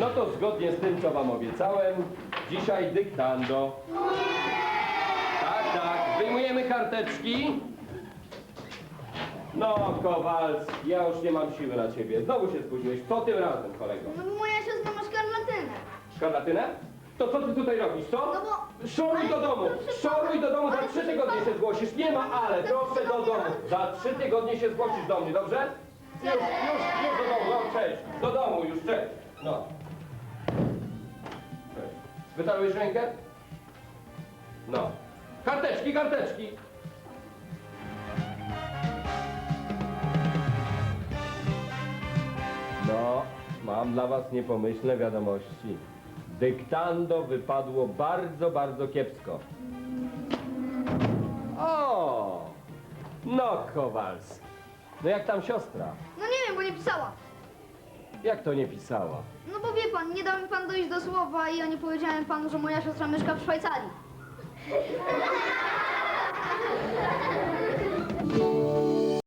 No to zgodnie z tym, co wam obiecałem, dzisiaj dyktando. Tak, tak, wyjmujemy karteczki. No, Kowalski, ja już nie mam siły na ciebie. Znowu się spóźniłeś. Co tym razem, kolego? No bo moja siostra ma szkarlatynę. Szkarlatynę? To co ty tutaj robisz, co? No bo... Szoruj do domu! Szoruj do domu! Za 3 tygodnie się zgłosisz. Nie ma ale, proszę do domu. Za 3 tygodnie się zgłosisz do mnie, dobrze? Już do domu, no cześć. Do domu już, cześć. No. Cześć. Wytarłeś rękę? No. Karteczki, karteczki. No, mam dla was niepomyślne wiadomości. Dyktando wypadło bardzo, bardzo kiepsko. O! No, Kowalski. No jak tam siostra? No nie wiem, bo nie pisała. Jak to nie pisała? No bo wie pan, nie dał mi pan dojść do słowa i ja nie powiedziałem panu, że moja siostra mieszka w Szwajcarii.